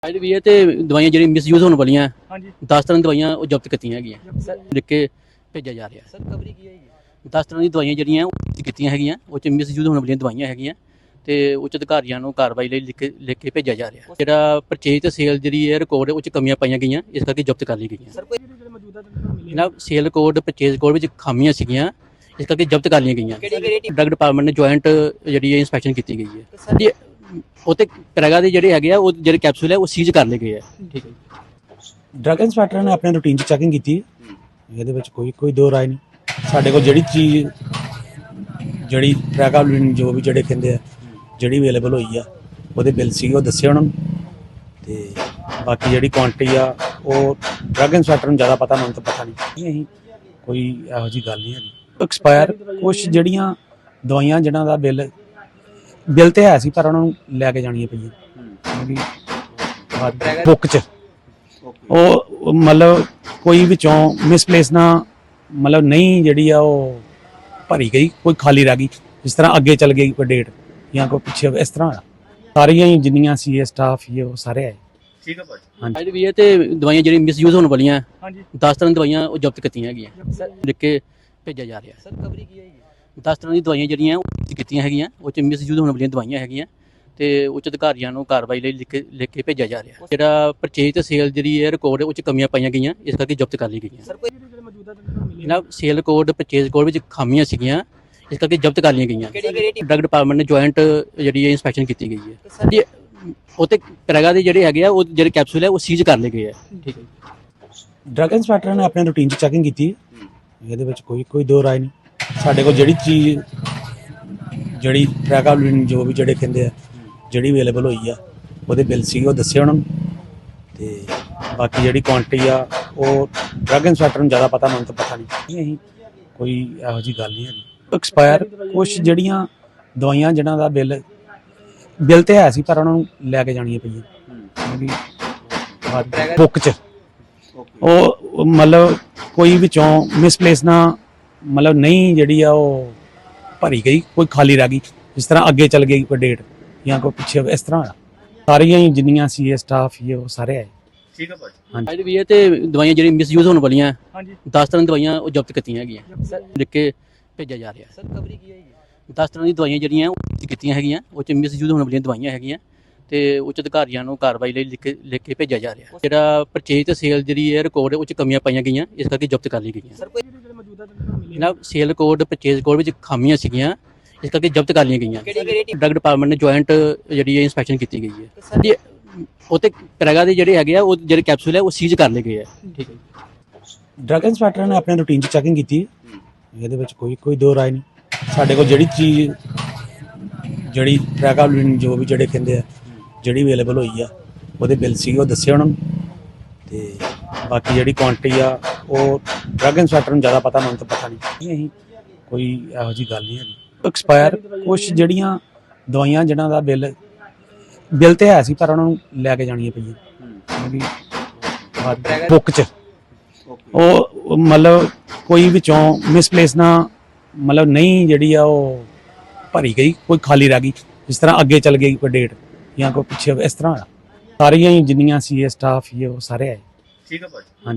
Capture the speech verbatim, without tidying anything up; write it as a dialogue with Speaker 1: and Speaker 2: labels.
Speaker 1: ਅੱਜ ਵੀ ਇਹ ਤੇ ਦਵਾਈਆਂ ਜਿਹੜੀ ਮਿਸਯੂਜ਼ ਹੋਣ ਵਾਲੀਆਂ
Speaker 2: ਹਾਂਜੀ
Speaker 1: ਦਸ ਤਰ੍ਹਾਂ ਦੀਆਂ ਦਵਾਈਆਂ ਉਹ ਜ਼ਬਤ ਕੀਤੀਆਂ ਹੈਗੀਆਂ
Speaker 2: ਸਰ
Speaker 1: ਲਿਖ ਕੇ ਭੇਜਿਆ ਜਾ ਰਿਹਾ
Speaker 2: ਸਰ ਕਵਰੀ ਕੀ ਹੈ ਜੀ
Speaker 1: ਦਸ ਤਰ੍ਹਾਂ ਦੀਆਂ ਦਵਾਈਆਂ ਜਿਹੜੀਆਂ ਉਹ ਕੀਤੀਆਂ ਹੈਗੀਆਂ ਉਹ ਚ ਮਿਸਯੂਜ਼ ਹੋਣ ਵਾਲੀਆਂ ਦਵਾਈਆਂ ਹੈਗੀਆਂ ਤੇ ਉੱਚ ਅਧਿਕਾਰੀਆਂ ਨੂੰ ਕਾਰਵਾਈ ਲਈ ਲਿਖ ਕੇ ਲਿਖ ਕੇ ਭੇਜਿਆ ਜਾ ਰਿਹਾ ਜਿਹੜਾ ਪਰਚੇਜ ਤੇ ਸੇਲ ਜਿਹੜੀ ਹੈ ਰਿਕਾਰਡ ਉਹ ਚ ਕਮੀਆਂ ਪਾਈਆਂ ਗਈਆਂ ਇਸ ਕਰਕੇ ਜ਼ਬਤ ਕਰ ਲਈ ਗਈਆਂ
Speaker 2: ਸਰ ਕੋਈ ਜਿਹੜੇ ਮੌਜੂਦਾ ਤੁਹਾਨੂੰ ਮਿਲੇ
Speaker 1: ਜਨਾਬ ਸੇਲ ਕੋਡ ਪਰਚੇਜ ਕੋਡ ਵਿੱਚ ਖਾਮੀਆਂ ਸੀਗੀਆਂ ਇਸ ਕਰਕੇ ਜ਼ਬਤ ਕਰ ਲਈਆਂ ਗਈਆਂ
Speaker 2: ਕਿਹੜੀ ਕਿਹੜੀ
Speaker 1: ਡਰਗ ਡਿਪਾਰਟਮੈਂਟ ਨੇ ਜੁਆਇੰਟ ਜਿਹੜੀ ਹੈ ਇਨਸਪੈਕਸ਼ਨ ਕੀਤੀ ਗਈ ਹੈ
Speaker 2: ਸਰ
Speaker 1: ਜੀ ਉਹ ਤੇ ਪ੍ਰੈਗਾ ਦੇ ਜਿਹੜੇ ਹੈਗੇ ਆ ਉਹ ਜਿਹੜੇ ਕੈਪਸੂਲ ਹੈ ਉਹ ਸੀਜ਼ ਕਰ ਲਏ ਗਏ ਆ ਠੀਕ ਹੈ
Speaker 3: ਡਰੱਗ ਇੰਸਪੈਕਟਰ ਨੇ ਆਪਣੇ ਰੂਟੀਨ 'ਚ ਚੈਕਿੰਗ ਕੀਤੀ ਇਹਦੇ ਵਿੱਚ ਕੋਈ ਕੋਈ ਦੋ ਰਾਏ ਨਹੀਂ ਸਾਡੇ ਕੋਲ ਜਿਹੜੀ ਚੀਜ਼ ਜਿਹੜੀ ਪ੍ਰੈਗਾਬਲਿਨ ਜੋ ਵੀ ਜਿਹੜੇ ਕਹਿੰਦੇ ਆ ਜਿਹੜੀ ਅਵੇਲੇਬਲ ਹੋਈ ਆ ਉਹਦੇ ਬਿੱਲ ਸੀ ਉਹ ਦੱਸੇ ਉਹਨਾਂ ਨੂੰ ਤੇ ਬਾਕੀ ਜਿਹੜੀ ਕੁਆਂਟੀਟੀ ਆ ਉਹ ਡਰੱਗ ਇੰਸਪੈਕਟਰ ਨੂੰ ਜ਼ਿਆਦਾ ਪਤਾ ਮੈਨੂੰ ਤਾਂ ਪਤਾ ਨਹੀਂ ਅਸੀਂ ਕੋਈ ਇਹੋ ਜਿਹੀ ਗੱਲ ਨਹੀਂ ਹੈਗੀ ਐਕਸਪਾਇਰ ਕੁਝ ਜਿਹੜੀਆਂ ਦਵਾਈਆਂ ਜਿਹਨਾਂ ਦਾ ਬਿੱਲ ਬਿੱਲ ਤੇ ਹੈ ਸੀ ਪਰ ਉਹਨਾਂ ਨੂੰ ਲੈ ਕੇ ਜਾਣੀਆਂ ਪਈਆਂ ਕਿਉਂਕਿ ਬੁੱਕ 'ਚ ਉਹ ਮਤਲਬ ਕੋਈ ਵਿੱਚੋਂ ਮਿਸਪਲੇਸ ਨਾ ਮਤਲਬ ਨਹੀਂ ਜਿਹੜੀ ਆ ਉਹ ਭਰੀ ਗਈ ਕੋਈ ਖਾਲੀ ਰਹਿ ਗਈ ਜਿਸ ਤਰ੍ਹਾਂ ਅੱਗੇ ਚੱਲ ਗਈ ਕੋਈ ਡੇਟ ਜਾਂ ਕੋਈ ਪਿੱਛੇ ਇਸ ਤਰ੍ਹਾਂ ਹੋਇਆ ਸਾਰੀਆਂ ਹੀ ਜਿੰਨੀਆਂ ਸੀ ਇਹ ਸਟਾਫ ਇਹ ਉਹ ਸਾਰੇ ਆਏ
Speaker 2: ਠੀਕ ਹੈ ਭਾਜੀ
Speaker 1: ਅੱਜ ਵੀ ਇਹ ਤੇ ਦਵਾਈਆਂ ਜਿਹੜੀ ਮਿਸਯੂਜ਼ ਹੋਣ ਵਾਲੀਆਂ
Speaker 2: ਹਾਂਜੀ
Speaker 1: ਦਸ ਤਰ੍ਹਾਂ ਦੀਆਂ ਦਵਾਈਆਂ ਉਹ ਜ਼ਬਤ ਕੀਤੀਆਂ ਹੈਗੀਆਂ
Speaker 2: ਸਰ
Speaker 1: ਲਿਖ ਕੇ ਭੇਜਿਆ ਜਾ ਰਿਹਾ
Speaker 2: ਸਰ ਕਵਰੀ ਕੀ ਹੈ ਜੀ
Speaker 1: ਦਸ ਤਰ੍ਹਾਂ ਦੀਆਂ ਦਵਾਈਆਂ ਜਿਹੜੀਆਂ ਉਹ ਜ਼ਬਤ ਕੀਤੀਆਂ ਹੈਗੀਆਂ ਉਹ ਚ ਮਿਸਯੂਜ਼ ਹੋਣ ਵਾਲੀਆਂ ਦਵਾਈਆਂ ਹੈਗੀਆਂ ਤੇ ਉੱਚ ਅਧਿਕਾਰੀਆਂ ਨੂੰ ਕਾਰਵਾਈ ਲਈ ਲਿਖ ਕੇ ਲਿਖ ਕੇ ਭੇਜਿਆ ਜਾ ਰਿਹਾ ਜਿਹੜਾ ਪਰਚੇਜ ਤੇ ਸੇਲ ਜਿਹੜੀ ਹੈ ਰਿਕਾਰਡ ਉਹ ਚ ਕਮੀਆਂ ਪਾਈਆਂ ਗਈਆਂ ਇਸ ਕਰਕੇ ਜ਼ਬਤ ਕਰ ਲਈ ਗਈਆਂ
Speaker 2: ਸਰ ਕੋਈ ਜਿਹੜੇ ਮੌਜੂਦਾ ਤੁਹਾਨੂੰ ਮਿਲੇ
Speaker 1: ਜਨਾਬ ਸੇਲ ਕੋਡ ਪਰਚੇਜ ਕੋਡ ਵਿੱਚ ਖਾਮੀਆਂ ਸੀਗੀਆਂ ਇਸ ਕਰਕੇ ਜ਼ਬਤ ਕਰ ਲਈਆਂ ਗਈਆਂ
Speaker 2: ਕਿਹੜੀ ਕਿਹੜੀ
Speaker 1: ਡਰਗ ਡਿਪਾਰਟਮੈਂਟ ਨੇ ਜੁਆਇੰਟ ਜਿਹੜੀ ਹੈ ਇਨਸਪੈਕਸ਼ਨ ਕੀਤੀ ਗਈ ਹੈ
Speaker 2: ਸਰ
Speaker 1: ਜੀ ਉਹ ਤੇ ਪ੍ਰੈਗਾ ਦੇ ਜਿਹੜੇ ਹੈਗੇ ਆ ਉਹ ਜਿਹੜੇ ਕੈਪਸੂਲ ਹੈ ਉਹ ਸੀਜ਼ ਕਰ ਲਏ ਗਏ ਆ ਠੀਕ ਹੈ
Speaker 3: ਡਰੱਗ ਇੰਸਪੈਕਟਰ ਨੇ ਆਪਣੇ ਰੂਟੀਨ 'ਚ ਚੈਕਿੰਗ ਕੀਤੀ ਇਹਦੇ ਵਿੱਚ ਕੋਈ ਕੋਈ ਦੋ ਰਾਏ ਨਹੀਂ ਸਾਡੇ ਕੋਲ ਜਿਹੜੀ ਚੀਜ਼ ਜਿਹੜੀ ਪ੍ਰੈਗਾਬਲਿਨ ਜੋ ਵੀ ਜਿਹੜੇ ਕਹਿੰਦੇ ਆ ਜਿਹੜੀ ਅਵੇਲੇਬਲ ਹੋਈ ਆ ਉਹਦੇ ਬਿੱਲ ਸੀ ਉਹ ਦੱਸੇ ਉਹਨਾਂ ਨੂੰ ਤੇ ਬਾਕੀ ਜਿਹੜੀ ਕੁਆਂਟੀਟੀ ਆ ਉਹ ਡਰੱਗ ਇੰਸਪੈਕਟਰ ਨੂੰ ਜ਼ਿਆਦਾ ਪਤਾ ਮੈਨੂੰ ਤਾਂ ਪਤਾ ਨਹੀਂ ਅਸੀਂ ਕੋਈ ਇਹੋ ਜਿਹੀ ਗੱਲ ਨਹੀਂ ਹੈਗੀ ਐਕਸਪਾਇਰ ਕੁਝ ਜਿਹੜੀਆਂ ਦਵਾਈਆਂ ਜਿਹਨਾਂ ਦਾ ਬਿੱਲ ਬਿੱਲ ਤੇ ਹੈ ਸੀ ਪਰ ਉਹਨਾਂ ਨੂੰ ਲੈ ਕੇ ਜਾਣੀਆਂ ਪਈਆਂ ਕਿਉਂਕਿ ਬੁੱਕ 'ਚ ਉਹ ਮਤਲਬ ਕੋਈ ਵਿੱਚੋਂ ਮਿਸਪਲੇਸ ਨਾ ਮਤਲਬ ਨਹੀਂ ਜਿਹੜੀ ਆ ਉਹ ਭਰੀ ਗਈ ਕੋਈ ਖਾਲੀ ਰਹਿ ਗਈ ਜਿਸ ਤਰ੍ਹਾਂ ਅੱਗੇ ਚੱਲ ਗਈ ਕੋਈ ਡੇਟ ਜਾਂ ਕੋਈ ਪਿੱਛੇ ਇਸ ਤਰ੍ਹਾਂ ਹੋਇਆ ਸਾਰੀਆਂ ਹੀ ਜਿੰਨੀਆਂ ਸੀ ਇਹ ਸਟਾਫ ਇਹ ਉਹ ਸਾਰੇ ਆਏ
Speaker 2: ਠੀਕ ਹੈ ਭਾਜੀ
Speaker 1: ਅੱਜ ਵੀ ਇਹ ਤੇ ਦਵਾਈਆਂ ਜਿਹੜੀ ਮਿਸਯੂਜ਼ ਹੋਣ ਵਾਲੀਆਂ
Speaker 2: ਹਾਂਜੀ
Speaker 1: ਦਸ ਤਰ੍ਹਾਂ ਦੀਆਂ ਦਵਾਈਆਂ ਉਹ ਜ਼ਬਤ ਕੀਤੀਆਂ ਹੈਗੀਆਂ
Speaker 2: ਸਰ
Speaker 1: ਲਿਖ ਕੇ ਭੇਜਿਆ ਜਾ ਰਿਹਾ
Speaker 2: ਸਰ ਕਵਰੀ ਕੀ ਹੈ ਜੀ
Speaker 1: ਦਸ ਤਰ੍ਹਾਂ ਦੀਆਂ ਦਵਾਈਆਂ ਜਿਹੜੀਆਂ ਉਹ ਜ਼ਬਤ ਕੀਤੀਆਂ ਹੈਗੀਆਂ ਉਹ ਚ ਮਿਸਯੂਜ਼ ਹੋਣ ਵਾਲੀਆਂ ਦਵਾਈਆਂ ਹੈਗੀਆਂ ਤੇ ਉੱਚ ਅਧਿਕਾਰੀਆਂ ਨੂੰ ਕਾਰਵਾਈ ਲਈ ਲਿਖ ਕੇ ਲਿਖ ਕੇ ਭੇਜਿਆ ਜਾ ਰਿਹਾ ਜਿਹੜਾ ਪਰਚੇਜ ਤੇ ਸੇਲ ਜਿਹੜੀ ਹੈ ਰਿਕਾਰਡ ਉਹ ਚ ਕਮੀਆਂ ਪਾਈਆਂ ਗਈਆਂ ਇਸ ਕਰਕੇ ਜ਼ਬਤ ਕਰ ਲਈ ਗਈਆਂ
Speaker 2: ਸਰ ਕੋਈ ਜਿਹੜੇ ਮੌਜੂਦਾ ਤੁਹਾਨੂੰ ਮਿਲੇ
Speaker 1: ਜਨਾਬ ਸੇਲ ਕੋਡ ਪਰਚੇਜ ਕੋਡ ਵਿੱਚ ਖਾਮੀਆਂ ਸੀਗੀਆਂ ਇਸ ਕਰਕੇ ਜ਼ਬਤ ਕਰ ਲਈਆਂ ਗਈਆਂ
Speaker 2: ਕਿਹੜੀ ਕਿਹੜੀ
Speaker 1: ਡਰਗ ਡਿਪਾਰਟਮੈਂਟ ਨੇ ਜੁਆਇੰਟ ਜਿਹੜੀ ਹੈ ਇਨਸਪੈਕਸ਼ਨ ਕੀਤੀ ਗਈ ਹੈ
Speaker 2: ਸਰ
Speaker 1: ਜੀ ਉਹ ਤੇ ਪ੍ਰੈਗਾ ਦੇ ਜਿਹੜੇ ਹੈਗੇ ਆ ਉਹ ਜਿਹੜੇ ਕੈਪਸੂਲ ਹੈ ਉਹ ਸੀਜ਼ ਕਰ ਲਏ ਗਏ ਆ ਠੀਕ ਹੈ
Speaker 3: ਡਰੱਗ ਇੰਸਪੈਕਟਰ ਨੇ ਆਪਣੇ ਰੂਟੀਨ 'ਚ ਚੈਕਿੰਗ ਕੀਤੀ ਇਹਦੇ ਵਿੱਚ ਕੋਈ ਕੋਈ ਦੋ ਰਾਏ ਨਹੀਂ ਸਾਡੇ ਕੋਲ ਜਿਹੜੀ ਚੀਜ਼ ਜਿਹੜੀ ਪ੍ਰੈਗਾਬਲਿਨ ਜੋ ਵੀ ਜਿਹੜੇ ਕਹਿੰਦੇ ਆ ਜਿਹੜੀ ਅਵੇਲੇਬਲ ਹੋਈ ਆ ਉਹਦੇ ਬਿੱਲ ਸੀ ਉਹ ਦੱਸੇ ਉਹਨਾਂ ਨੂੰ ਤੇ ਬਾਕੀ ਜਿਹੜੀ ਕੁਆਂਟੀਟੀ ਆ ਉਹ ਡਰੱਗ ਇੰਸਪੈਕਟਰ ਨੂੰ ਜ਼ਿਆਦਾ ਪਤਾ ਮੈਨੂੰ ਤਾਂ ਪਤਾ ਨਹੀਂ ਅਸੀਂ ਕੋਈ ਇਹੋ ਜਿਹੀ ਗੱਲ ਨਹੀਂ ਹੈਗੀ ਐਕਸਪਾਇਰ ਕੁਝ ਜਿਹੜੀਆਂ ਦਵਾਈਆਂ ਜਿਹਨਾਂ ਦਾ ਬਿੱਲ ਬਿੱਲ ਤੇ ਹੈ ਸੀ ਪਰ ਉਹਨਾਂ ਨੂੰ ਲੈ ਕੇ ਜਾਣੀਆਂ ਪਈਆਂ ਕਿਉਂਕਿ ਬੁੱਕ 'ਚ ਉਹ ਮਤਲਬ ਕੋਈ ਵਿੱਚੋਂ ਮਿਸਪਲੇਸ ਨਾ ਮਤਲਬ ਨਹੀਂ ਜਿਹੜੀ ਆ ਉਹ ਭਰੀ ਗਈ ਕੋਈ ਖਾਲੀ ਰਹਿ ਗਈ ਜਿਸ ਤਰ੍ਹਾਂ ਅੱਗੇ ਚੱਲ ਗਈ ਕੋਈ ਡੇਟ ਜਾਂ ਕੋਈ ਪਿੱਛੇ ਇਸ ਤਰ੍ਹਾਂ ਹੋਇਆ ਸਾਰੀਆਂ ਹੀ ਜਿੰਨੀਆਂ ਸੀ ਇਹ ਸਟਾਫ ਇਹ ਉਹ ਸਾਰੇ ਆਏ
Speaker 2: ਠੀਕ ਹੈ ਭਾਜੀ